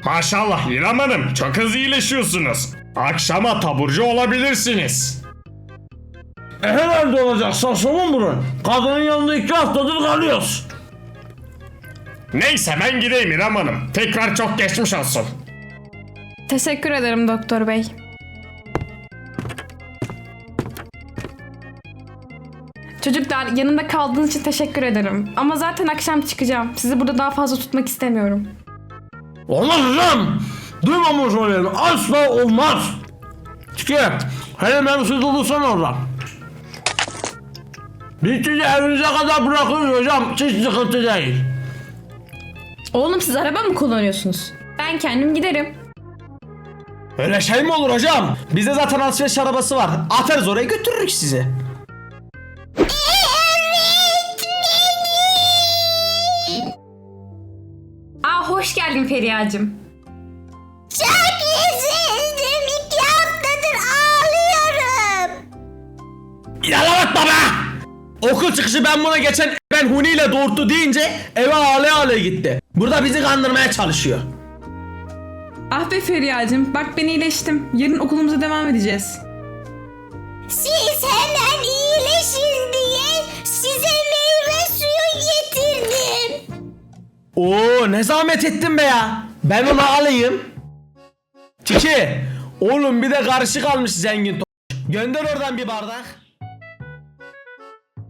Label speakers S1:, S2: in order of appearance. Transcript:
S1: Maşallah İrem Hanım, çok hızlı iyileşiyorsunuz. Akşama taburcu olabilirsiniz.
S2: Herhalde olacak saçmalama burun. Kadının yanında 2 haftadır kalıyoruz.
S1: Neyse ben gideyim İrem Hanım. Tekrar çok geçmiş olsun.
S3: Teşekkür ederim doktor bey. Çocuklar, yanında kaldığınız için teşekkür ederim. Ama zaten akşam çıkacağım. Sizi burada daha fazla tutmak istemiyorum.
S2: Olmaz hocam. Duymamış olayım. Asla olmaz. Çıkı. Hele beni siz olursan oradan. Biz sizi evinize kadar bırakırız hocam. Hiç sıkıntı değil.
S3: Oğlum, siz araba mı kullanıyorsunuz? Ben kendim giderim.
S4: Öyle şey mi olur hocam? Bizde zaten alışveriş arabası var. Atarız oraya, götürürük sizi.
S3: Hoş geldin Feriha'cığım.
S5: Çok üzüldüm. 2 haftadır ağlıyorum.
S4: Yalamak baba! Okul çıkışı ben buna geçen ben Huni ile doğurttu deyince eve ağlaya ağlaya gitti. Burada bizi kandırmaya çalışıyor.
S6: Ah be Feriha'cığım, bak ben iyileştim. Yarın okulumuza devam edeceğiz.
S5: Siz hemen iyileşin diye size meyve suyu getirdim.
S4: Oo, ne zahmet ettin be ya. Ben onu alayım. Tiki, oğlum bir de karışık almış zengin. Gönder oradan bir bardak.